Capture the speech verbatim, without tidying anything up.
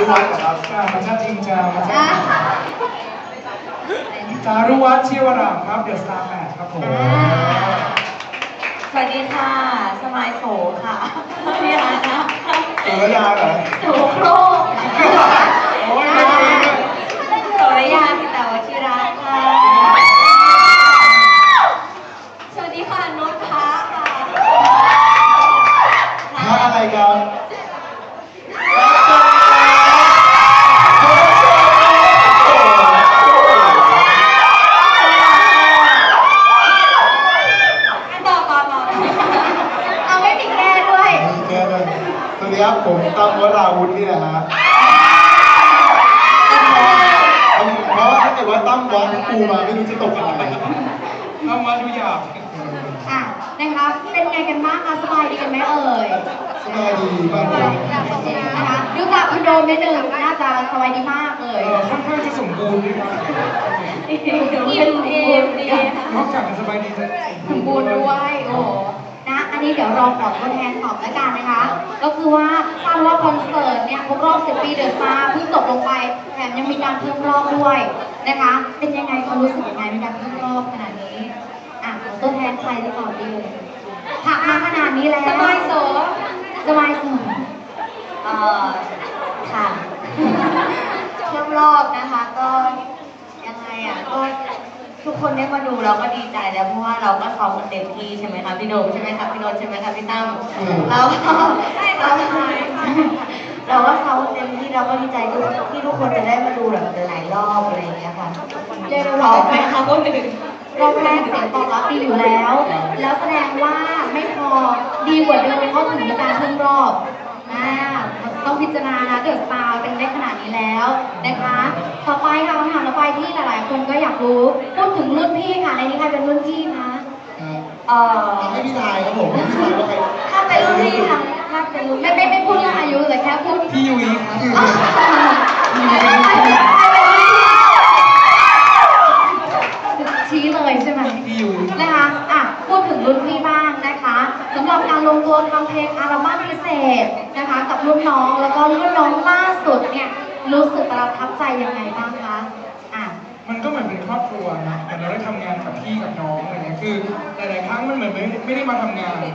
วัฒน์ครับมันจะจริงจังจารุวัฒน์ชิวรามครับเดอะสตาร์แปดครับผมสวัสดีค่ะสมายโสค่ะพี่ร้านนะโสระยาเหรอโสโครกโอ้ยโสระยาสิตาวชิระค่ะสวัสดีค่ะโน้ตพาค่ะพระอะไรครับสวัสดีครับผมตั้มวราวุฒินี่แหละฮะเพราะถ้าเกิดว่าตั้มวัดปูมาไม่รู้จะตกอะไรเอามาดูหยาบอ่ะนะคะเป็นไงกันบ้างคะสบายดีกันไหมเอ่ยสบายดีมากเลยนะคะดูจากคุณโดมนิดนึงน่าจะสบายดีมากเลยค่อนข้างจะสมบูรณ์ดีครับอิ่มอิ่มดีนอกจากจะสบายดีจะสมบูรณ์ด้วยโอ้นะอันนี้เดี๋ยวรอขอตัวแทนตอบแล้วกันนะคะก็คือว่าทราบว่าคอนเสิร์ตเนี่ยครบรอบสิบปีเดอะสตาร์เพิ่งจบลงไปแถมยังมีการเพิ่มรอบด้วยนะคะเป็นยังไงความรู้สึกยังไงในการเพิ่มรอบขนาดนี้อ่ะตัวแทนใครจะตอบดีเลยผักมาขนาดนี้แล้วสบายโสสบายโสเอ่อค่ะเพิ่มรอบนะคะก็ยังไงอ่ะก็ทุกคนได้มาดูเราก็ดีใจแล้วเพราะว่าเราก็ซ้อมกันเต็มที่ใช่ไหมคะพี่โดมใช่ไหมคะพี่โนนใช่ไหมคะพี่ตั้มเราก็เราเราก็ซ้อมเต็มที่เราก็ดีใจที่ทุกคนจะได้มาดูแบบหลายรอบอะไรอย่างเงี้ยค่ะเรียกได้ว่าไหมคะคนอื่นรอบแรกเสียงตอบรับดีอยู่แล้ว แล้วแสดงว่าไม่พอดีกว่าเดิมเพราะถึงมีการเพิ่มรอบนะต้องพิจารณานะเดอะสตาร์เป็นได้ขนาดนี้แล้วนะคะต่อไปค่ะคำถามต่อไปที่หลายๆคนก็อยากรู้พูดถึงรุ่นพี่ค่ะในนี้ใครเป็นรุ่นพี่คะเอ่อให้พี่ทายครับผมพี่ทายว่าใครถ้าเป็นรุ่นพี่ทำถ้าเป็นรุ่นไม่ไม่ไม่พูดเรื่องอายุแต่แค่พูดพี่ยุ้ยชี้เลยใช่ไหมพี่ยุ้ยนะคะอ่ะพูดถึงรุ่นพี่บ้างนะคะสำหรับการลงตัวทำเพลงอัลบั้มพิเศษนะคะกับรุ่นน้องแล้วก็รุ่นน้องล่าสุดเนี่ยรู้สึกประทับใจยังไงบ้างคะอ่ะมันก็เหมือนเป็นครอบครัวนะแต่เราได้ทำงานกับพี่กับน้องอะไรเงี้ยคือหลายๆครั้งมันเหมือนไม่ไม่ได้มาทำงาน